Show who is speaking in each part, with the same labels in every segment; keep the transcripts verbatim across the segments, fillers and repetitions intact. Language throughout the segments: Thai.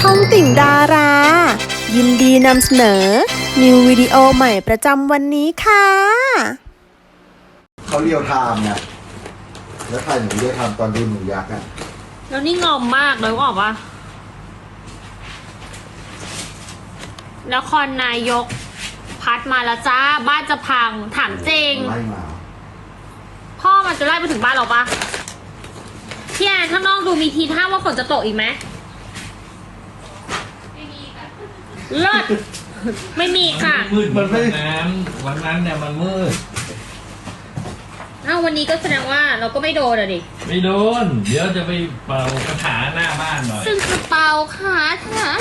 Speaker 1: องติ่งดารา ยินดีนำเสนอ นิววิดีโอใหม่ประจำวันนี้ค่ะ
Speaker 2: เขาเรียวไทม์เนี่ยแล้วถ่ายหนูเรียวไทม์ตอนดูหนูยักษ์อ่ะ
Speaker 3: แล้วนี่งอมมากเลยว่าบอกว่านครนายกพัดมาแล้วจ้าบ้านจะพังถามจริง
Speaker 2: ไล่มา
Speaker 3: พ่อมันจะไล่ไปถึงบ้านเราปะพี่แอนข้างนอกดูมีทีท่าว่าฝนจะตกอีกไหมเลิศไม่มีค่ะ
Speaker 4: มืดมันไม่นั้นวันนั้นเนี่ยมันมืด
Speaker 3: เอ้าวันนี้ก็แสดงว่าเราก็ไม่โดนอะดิ
Speaker 4: ไม่โดน เดี๋ยวจะไปเป่ากระถาหน้าบ้านหน่อย
Speaker 3: ซึ่งกระเป๋าขาถา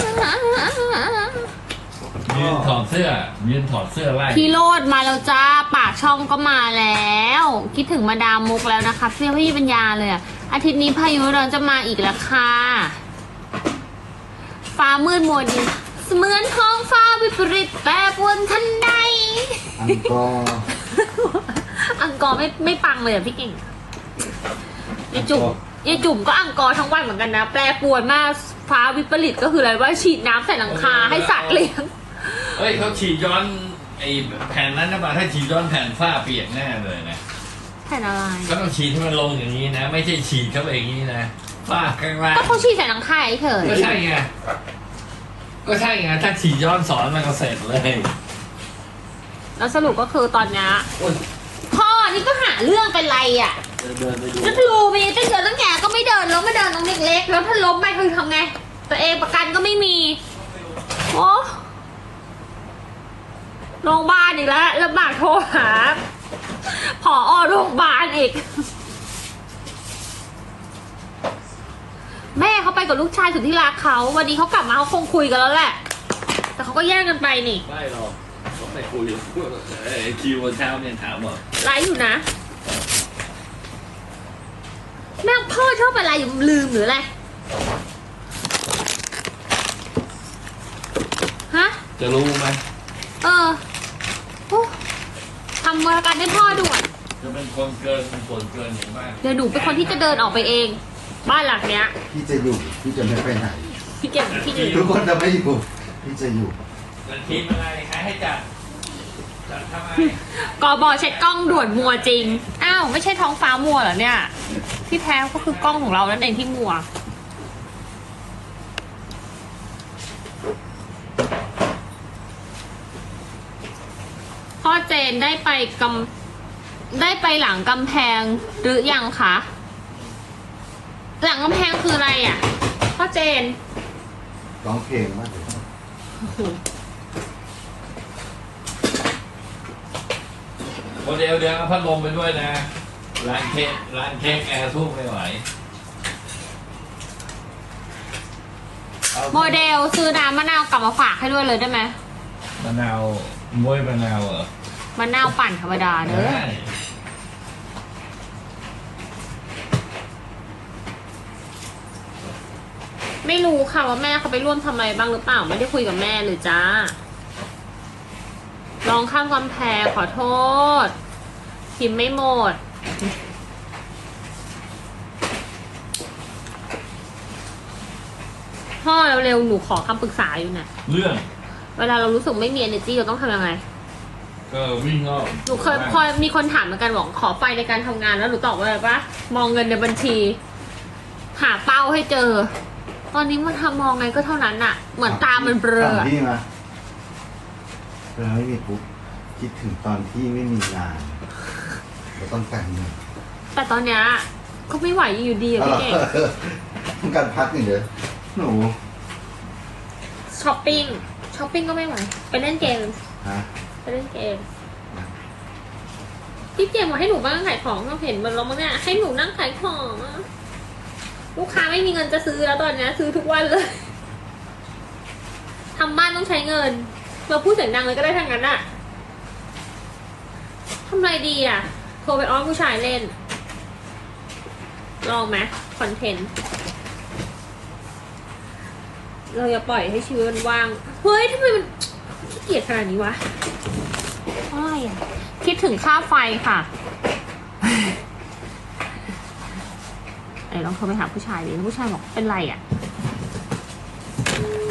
Speaker 4: ยืนถอดเสื้อยืนถอดเสื้อไล่
Speaker 3: พี่โรดมาแล้วจ้าปากช่องก็มาแล้ว คิดถึงมาดามมุกแล้วนะคะเสื้อพี่ปัญญาเลยอะอาทิตย์นี้พายุร้อนจะมาอีกแล้วค่ะฟ้ามืดมัวดินเสมือนท้องฟ้าวิปริตแปรปรวนทันใด
Speaker 2: อังกอร์
Speaker 3: อังกอร์ไม่ไม่ปังเลยอะพี่เก่งยายจุ่มยายจุ่มก็อังกอร์ทั้งวันเหมือนกันนะแปรปรวนมากฟ้าวิปริตก็คืออะไรว่าฉีดน้ำใส่หลังคาให้สัตว์เลี้ยง
Speaker 4: เฮ้ยเขาฉีดย้อนไอ้แผ่นนั้นนะป่ะถ้าฉีดย้อนแผ่นฝ้าเปียกแน่เลยนะ
Speaker 3: แผ่นอะไร
Speaker 4: ก็ต้องฉีดให้มันลงอย่างนี้นะ ไม่ใช่ฉีดเข้าไปอย่างนี้นะฝ้าข้างล่าง
Speaker 3: ก็เขาฉีดใส่หลังคาเฉย
Speaker 4: ก็ใช่ไงก็ใช่ไงถ้าฉีดย้อนสอนมันก็เสร็จเลย
Speaker 3: แล้วสรุปก็คือตอนนี้
Speaker 4: โอ๊ย
Speaker 3: พ่อนี่ก็หาเรื่องเป็นไรอ่ะ
Speaker 4: เดินเดินไปดู
Speaker 3: แล้วดูไปตั้งเดินตั้งแก่ก็ไม่เดินแล้วไม่เดินตรงเล็กๆแล้วถ้าล้มไปคือทำไง ตัวเองประกันก็ไม่มีโอ้โรงพยาบาลอีกแล้วลำบากโทรหาผอโรงพยาบาลอีก แม่เขาไปกับลูกชายสุดที่รักเขาวันนี้เขากลับมาเขาคงคุยกันแล้วแหละ แต่เขาก็แยกกันไปนี่
Speaker 4: ไม่หรอกต้องไปคุยไอ้คิววันเช้าเนี่ยถามว่า
Speaker 3: ไลฟ์อยู่นะแม่พ่อชอบอะไรอยู่ลืมหรืออะไรฮะ
Speaker 4: จะรู้ไหม
Speaker 3: เออโอ้ทำมือกันให้พ่อด่วน
Speaker 4: จะเป็นคนเกินเป็นส่วนเกินอย่างมาก
Speaker 3: เดี๋ยวหนูเป็นคนที่จะเดินออกไปเอง บ้านหลังเนี้ย
Speaker 2: พี่จะอยู่พี่จะไม่ไปไหน
Speaker 3: พี่เก่งพี่ดี
Speaker 2: ทุกคนจะไม่อยู่พี่จะอยู่
Speaker 4: แต่ทีมอะไรใครให้จัดจัดทำไม
Speaker 3: กอบอเช็คกล้องด่วนมัวจริง อ้าวไม่ใช่ท้องฟ้ามัวเหรอเนี่ย ที่แท้ก็คือกล้องของเรานั่นเองที่มัว พ่อเจนได้ไปกำได้ไปหลังกำแพงหรือยังคะ หลังกำแพงคืออะไรอ่ะ พ่อเจน
Speaker 2: ร้องเพลงมากเลย
Speaker 4: โมเดลเดียวเอาพัดลมไปด้วยนะร้านเค้กร้านเค้กแอร์สู้ไม่ไหวอา
Speaker 3: โมเดลซื้อน้ำมะนาวกลับมาฝากให้ด้วยเลยได้ไหม
Speaker 4: มะนาวมวยมะนาวเหรอ
Speaker 3: มะนาวปั่นธรรมดาเนอะ
Speaker 4: ได้
Speaker 3: ไม่รู้ค่ะว่าแม่เขาไปร่วมทำอะไรบ้างหรือเปล่าไม่ได้คุยกับแม่เลยจ้าลองข้ามกำแพงขอโทษพิมพ์ไม่หมดพ่อเร็วๆหนูขอคำปรึกษาอยู่เนี่ย
Speaker 4: เรื่อง
Speaker 3: เวลาเรารู้สึกไม่มี energy เราต้องทำยังไง
Speaker 4: ก็วิ่งออก
Speaker 3: หนูเคยพอมีคนถามเหมือนกันบอกขอไฟในการทำงานแล้วหนูตอบว่าอะไรปะมองเงินในบัญชี หาเป้าให้เจอ ตอนนี้มันทำมองไงก็เท่านั้นอะเหมือนตามันเบลอ
Speaker 2: ถาม
Speaker 3: อะ
Speaker 2: พี่มาเวลาไม่มีปุ๊บคิดถึงตอนที่ไม่มีงานเราต้องการเงิน
Speaker 3: แต่ตอนเนี้ยก็ไม่ไหวอยู่ดีอะ
Speaker 2: เอา
Speaker 3: พี่
Speaker 2: เหรอ
Speaker 3: เก่ง
Speaker 2: ต้องการพักหนึ่งเดียวหนู
Speaker 3: ช้อปปิ้งช้อปปิ้งก็ไม่ไหวไปเล่นเกม
Speaker 2: ฮะ
Speaker 3: ไปเล่นเกมพี่เจมบอกให้หนูบ้างขายของเราเห็นมันแล้วมั้งเนี่ยให้หนูนั่งขายของอะลูกค้าไม่มีเงินจะซื้อแล้วตอนเนี้ยซื้อทุกวันเลยทำบ้านต้องใช้เงินเราพูดเสียงดังเลยก็ได้ทั้งนั้นอะทำไรดีอะโทรไปอ้อนผู้ชายเล่นลองไหมคอนเทนต์เราอย่าปล่อยให้ชีวิตมันว่างเฮ้ยทำไมมันขี้เกียจขนาดนี้วะอะไรอะคิดถึงค่าไฟค่ะ ไอ้ลองโทรไปหาผู้ชายดิผู้ชายบอกเป็นไรอ่ะ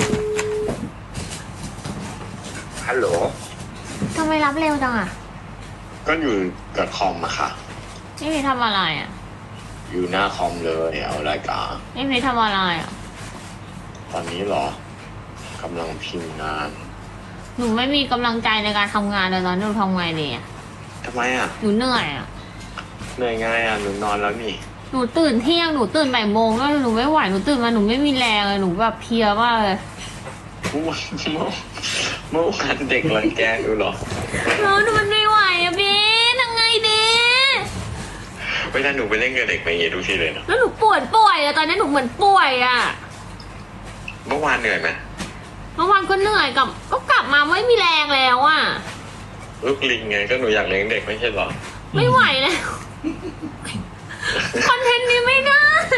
Speaker 5: ฮัลโหล
Speaker 3: ทำไมรับเร็วจังอ่ะ
Speaker 5: ก็อยู่กับคอมอะค่ะ
Speaker 3: พี่พีทำอะไรอ่ะ
Speaker 5: อยู่หน้าคอมเลยเอารายการ
Speaker 3: พี่พีทำอะไรอ่ะ
Speaker 5: ตอนนี้เหรอกำลังพิมพ์งาน
Speaker 3: หนูไม่มีกำลังใจในการทำงานเลยตอนนี้หนูทำไงดีอ่ะ
Speaker 5: ทำไมอะ
Speaker 3: หนูเหนื่อยอ่ะ
Speaker 5: เหนื่อยง่ายอะหนูนอนแล้วนี่
Speaker 3: หนูตื่นเที่ยง หนูตื่นบ่ายโมงแล้วหนูไม่ไหว หนูตื่นมาหนูไม่มีแรงเลยหนูแบบเพลียมากเลย
Speaker 5: เมื่อวานเมื่อเมื่อวานเด็กรังแกดูเหรอ
Speaker 3: แล้วหนูมันไม่ไหวอ่ะบีทำไงดี
Speaker 5: เวลาหนูไปเล่นกับเด็กไปอย่างเงี้ยทุกทีเลยเนาะ
Speaker 3: แล้วหนูปวดป่วยอ่ะตอนนี้หนูเหมือนป่วยอ่ะ
Speaker 5: เมื่อวานเหนื่อยไหม
Speaker 3: เมื่อวานก็เหนื่อยกับ ก็กลับมาไม่มีแรงแล้วอ่ะ
Speaker 5: ลูกลิงไงก็หนูอยากเลี้ยงเด็กไม่ใช่เหรอ
Speaker 3: ไม่ไหวแล้ว คอนเทนต์นี้ไม่ได้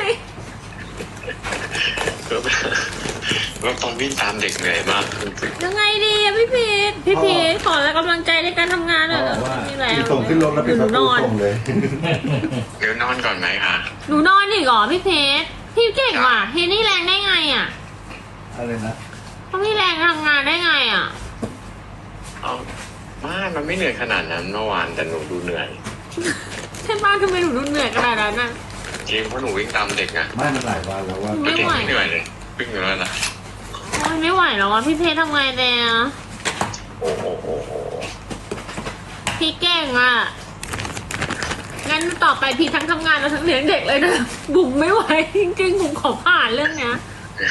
Speaker 5: ก็แบบตอนวิ่งตามเด็กเหนื่อยมากจริง
Speaker 3: ยังไงดีอะพี่พีทพี่พีทขอแล้วกำลังใจในการทำงานหน่อย
Speaker 4: พ่อบอกว่า
Speaker 3: มีแรง
Speaker 2: มีส่งขึ้นรถแล้วปิด
Speaker 3: ห
Speaker 2: ป
Speaker 3: นู
Speaker 2: ระ
Speaker 3: น
Speaker 2: ตู
Speaker 3: อน
Speaker 2: ส่งเลย
Speaker 5: ๆเดี๋ยวนอนก่อนไหมคะ
Speaker 3: หนูนอนอีกเหรอพี่เพชรพี่เก่งว่ะเฮนี่แรงได้ไงอ่ะ
Speaker 2: อะไรนะ
Speaker 3: เขาพี่แรงทำงานได้ไงอ่ะ
Speaker 5: เอาไม่มันไม่เหนื่อยขนาดนั้นเมื่อวานแต่หนูดูเหนื่อย
Speaker 3: ใช่ป้าทำไมหนูดูเหนื่อยขนาดนั้นน่ะ
Speaker 5: จริงเพราะหนูวิ่งตามเด็กไง
Speaker 2: ไม่มันหลายวันแล้วว่า
Speaker 3: ไม่
Speaker 5: เด็ก
Speaker 3: ไหว
Speaker 5: ไม่เหนื่อยเลยวิ่งอยู่แล้วนะ
Speaker 3: โอ้ยไม่ไหวแล้วอ่ะพี่เพชรทำไงเดีย
Speaker 5: โอ้โหโอ้โห
Speaker 3: พี่เก่งอ่ะงั้นต่อไปพี่ทั้งทำงานแล้วทั้งเลี้ยงเด็กเลยนะบุ๋มไม่ไหวจริงๆบุ๋มขอผ่านเรื่องเนี้ย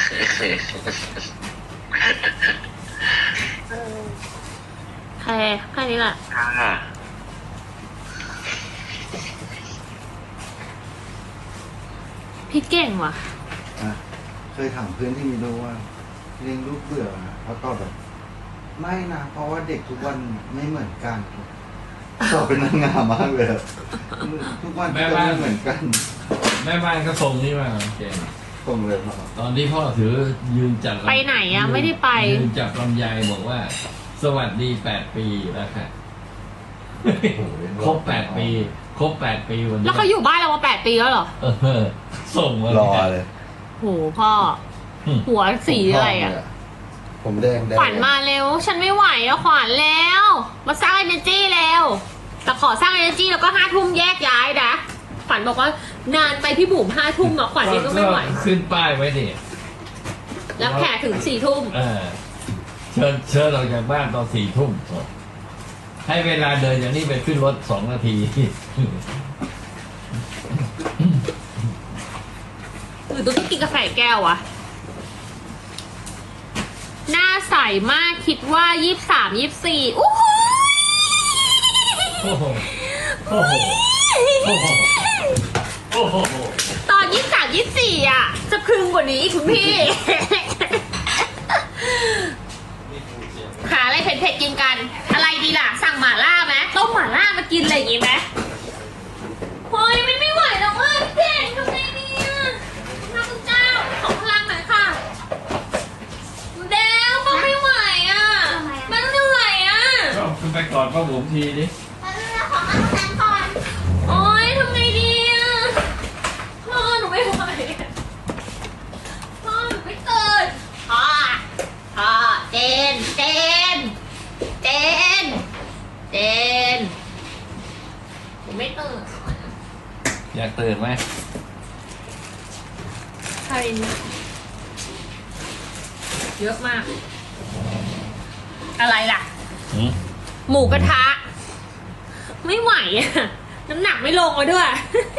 Speaker 3: แค่แค่นี้แหละ
Speaker 5: ค่ะ
Speaker 3: พี่เก่งว่ะ
Speaker 2: อ่ะเคยถามเพื่อนที่มีลูกว่าเลี้ยงลูกเบื่อไหมเขาตอบแบบ ไม่นะเพราะว่าเด็กทุกวันไม่เหมือนกันตอบเป็นนางงามมากเลยอะทุกวันก็ไม่เหมือนกัน
Speaker 4: แม่บ้านก็ส่งนี่มาเก่ง
Speaker 2: ตรงเลยครับ
Speaker 4: ตอนที่พ่อถือยืนจัดลำ
Speaker 3: ไปไหนอะไม่ได้ไป
Speaker 4: ยืนจับลำไยบอกว่า สวัสดีแปดปีแล้วค่ะครบแปดปี ครบแปดปีวันนี้
Speaker 3: แล้วเขาอยู่บ้านเรามาแปดปีแล้วเหรอ
Speaker 4: เออส่งมาร
Speaker 2: อเลย
Speaker 3: โหพ่อ หัวสีอะไรอ่ะ
Speaker 2: ผมแดงแดง
Speaker 3: ขวัญมาเร็ว ฉันไม่ไหวแล้วขวัญแล้ว มาสร้าง energy แล้ว แต่ขอสร้าง energy แล้วก็ห้าทุ่มแยกย้ายนะขวัญบอกว่านานไปพี่บุ๋มห้าทุ่มอะขวัญนี่ก็ไม่ไหว
Speaker 4: ขึ้นป้ายไว้ดิ
Speaker 3: แล้วแขกถึงสี่ทุ่ม
Speaker 4: เออเชิญเชิญออกจากบ้านตอนสี่ทุ่มให้เวลาเดินอย่างนี้ไปขึ้นรถสองนาที
Speaker 3: หรือต้องกินกาแฟแก้วอะหน้าใสมากคิดว่ายี่สิบสามยี่สิบสี่อู้หู
Speaker 4: โอ้โหโอ้โหโอ้โหโอ้โห
Speaker 3: ตอนยี่สิบสามยี่สิบสี่อะจะพึงกว่านี้อีกคุณพี่ หาอะไรเผ็ดๆกินกัน อะไรดีล่ะ สั่งหม่าล่าไหมต้มหม่าล่ามากินอะไรอย่างงี้ไหมเฮ้ยมันไม่ไหวแล้วว่าพี่เก่งทำไงดีอะพระคุณเจ้าขอพลังหน่อยค่ะเดวมันไม่ไหวอ่ะมันเหนื่อยอ่ะ
Speaker 4: ก็ขึ้นไปกอดป้าบุ๋มทีดิ
Speaker 3: โอ๊ยทำไงดีอ่ะพ่อหนูไม่ไหวอะพ่อหนูไม่ตื่นพ่อพ่อเจนเจนเจนเจนหนูไม่ตื่น
Speaker 4: อยากตื่นไหม
Speaker 3: ใช่เยอะมาก อะไรล่ะ
Speaker 4: หืม
Speaker 3: หมูกระทะ ไม่ไหวอ่ะ น้ำหนักไม่ลงมาด้วย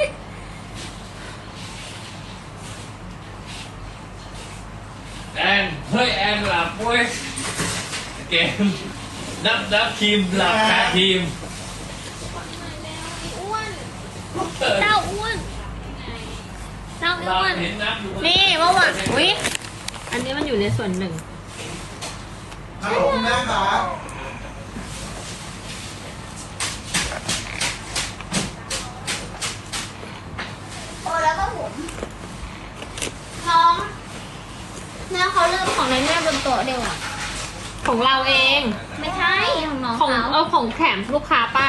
Speaker 4: แอนเฮ้ยแอนหลับเว้ยเกมนับนับทีมหลับคาทีม
Speaker 3: อ้วนเจ้าอ้วนเจ้า
Speaker 4: หลับ
Speaker 3: อ้วน
Speaker 4: เห็นนับอยู่
Speaker 3: นี่เมื่อวานอุ๊ยอันนี้มันอยู่ในส่วนหนึ่ง
Speaker 2: ฮัลโหลคุณแม่ครับ
Speaker 6: โอ้แล้วก็ผมน้องเนี่ยเขาเริ่มของในแม่บนโต๊ะเดียวอ่ะ
Speaker 3: ของเราเอง
Speaker 6: ไม่ใช่ของน้อง
Speaker 3: ของ
Speaker 6: เขา
Speaker 3: เอาของแถมลูกค้าป้า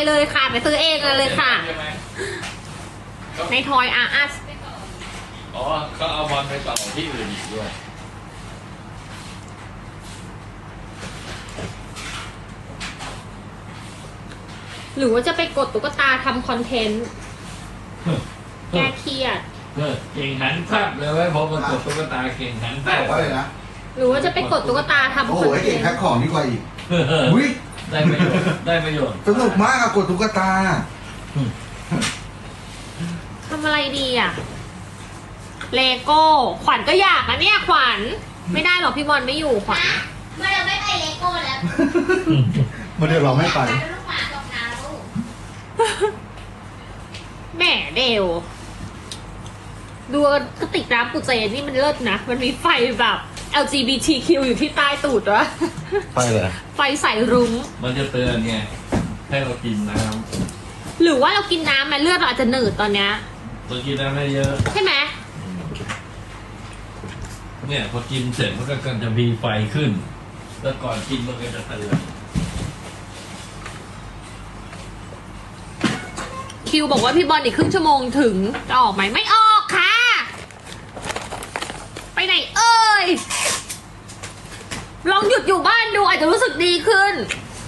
Speaker 3: เลยค่ะไปซื้อเองเลยค่ะ
Speaker 4: ใช่ไหม
Speaker 3: ในทอยอาร์อัส
Speaker 4: อ๋อเขาเอาบอลไปต่อที่อื่นอีกด้วย
Speaker 3: หรือว่าจะไปกดตุ๊กตาทำคอนเทนต์แก้เครียด
Speaker 4: เออเก่งหันภาพเลยไว้พอมากดตุ๊กตาเก่งหันภาพ
Speaker 2: บอกว่าเลยนะ
Speaker 3: หรือว่าจะไปกดตุ๊กตาทำ
Speaker 2: โอ้
Speaker 3: ค
Speaker 2: โห
Speaker 3: อน
Speaker 2: ไอ้
Speaker 3: เท
Speaker 2: เก่ง
Speaker 3: น
Speaker 2: แพ็ค
Speaker 3: ต์
Speaker 2: ของดีกว่าอีก
Speaker 4: เออ
Speaker 2: อุ้ย
Speaker 4: ได้ประโยชน์ได้ประโยชน์
Speaker 2: สนุกมากอะกดตุ๊กตา
Speaker 3: ทำอะไรดีอ่ะ เลโก้ ขวัญก็อยากนะเนี่ยขวัญ ไม่ได้หรอกพี่บอลไม่อยู่ขวัญ
Speaker 6: นะมาเราไม่ไปเลโก้แล้ว
Speaker 2: มันเดี๋ยวเราไม่ไป
Speaker 6: ลูกหมาตกน้ำลูก
Speaker 3: แหมเดวดูกระติกน้ำปุเจนนี่มันเลิศนะ มันมีไฟแบบ แอล จี บี ที คิว อยู่ที่ใต้ตูดวะ
Speaker 2: ไปเลย
Speaker 3: ไฟใส่รุ้ง
Speaker 4: มันจะเตือนไงให้เรากินน้
Speaker 3: หรือว่าเรากินน้ำไหมเลือดเราอาจจะหนืดตอนเนี้ย
Speaker 4: ำตัวกินน้ำไม่เยอะ
Speaker 3: ใช่ไหม
Speaker 4: เนี่ยพอกินเสร็จมันก็จะมีไฟขึ้น แล้วก่อนกินมันก็จะเตือน
Speaker 3: คิวบอกว่าพี่บอลอีกครึ่งชั่วโมงถึงจะออกไหมไม่ออกค่ะ ไปไหนเอ่ย ลองหยุดอยู่บ้านดูอาจจะรู้สึกดีขึ้น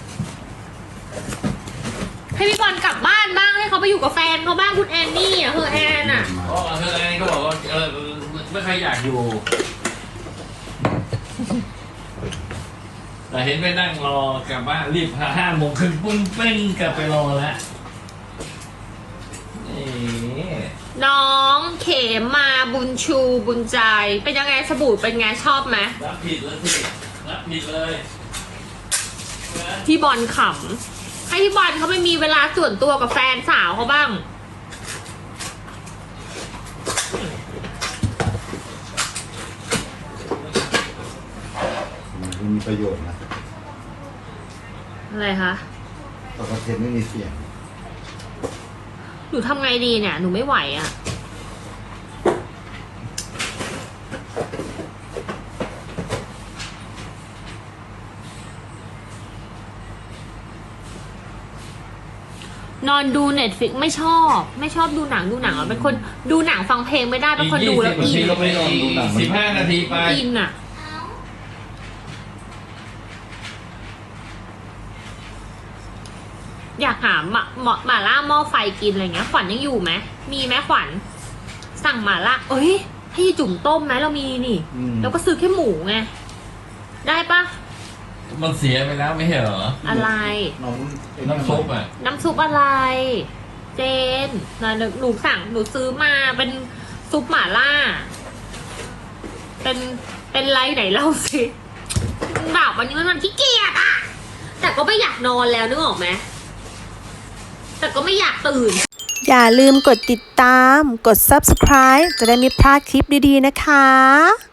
Speaker 3: ให้พี่บอลกลับบ้านบ้างให้เขาไปอยู่กับแฟนเขาบ้างคุณแอนนี่อ่ะเฮอแอนอ่ะ
Speaker 4: อ๋อเธอแอนก็บอกว่าเออไม่ใครอยากอยู่ แต่เห็นไปนั่งรอกลับบ้านรีบหาห้าโมงครึ่งปุ้งเป้งกลับไปรอแล้วนี่
Speaker 3: น้องเขมมาบุญชูบุญใจ เป็นยังไงสบู่เป็นไงชอบไหม
Speaker 4: รับผิดแล้วสิรับผิดเลย
Speaker 3: พี่บอลขำให้พี่บอลเขาไม่มีเวลาส่วนตัวกับแฟนสาวเขาบ้าง
Speaker 2: มันมีประโยชน์นะ
Speaker 3: อะไรคะ
Speaker 2: แต่ประเทศไม่มีเสียง
Speaker 3: หนูทำไงดีเนี่ย หนูไม่ไหวอะ่ะ นอนดูเน็ตฟิกไม่ชอบ ไม่ชอบดูหนังดูหนังอ่ะเป็นคนดูหนังฟังเพลงไม่ได้เป็นคนดูแล้วอิน
Speaker 2: ก็ไม่นอนดูหนัง
Speaker 4: สิบห้านาทีไป
Speaker 3: อินอ่ะ
Speaker 6: เอา
Speaker 3: อยากหาหมาหมาหมาล่าหม้อไฟกินอะไรเงี้ยขวัญยังอยู่ไหมมีไหมขวัญสั่งหมาล่าเอ้ยให้ยายจุ่มต้มไหมเรามีนี่
Speaker 2: อืม
Speaker 3: แล้วก็ซื้อแค่หมูไงได้ปะ
Speaker 4: มันเสียไปแล้วไม่ใช่เหรอ
Speaker 3: อะไร
Speaker 2: น้อง
Speaker 4: น้ำซุปอ่ะ
Speaker 3: น้ำซุปอะไร เจนนะหนูหนูสั่งหนูซื้อมาเป็นซุปหม่าล่า เป็นเป็นไรไหนเล่าสิแบบวันนี้มันมันขี้เกียจอะแต่ก็ไม่อยากนอนแล้วนึกออกไหมแต่ก็ไม่อยากตื่น
Speaker 1: อย่าลืมกดติดตาม กด ซับสไครบ์ จะได้ไม่พลาดคลิปดีๆนะคะ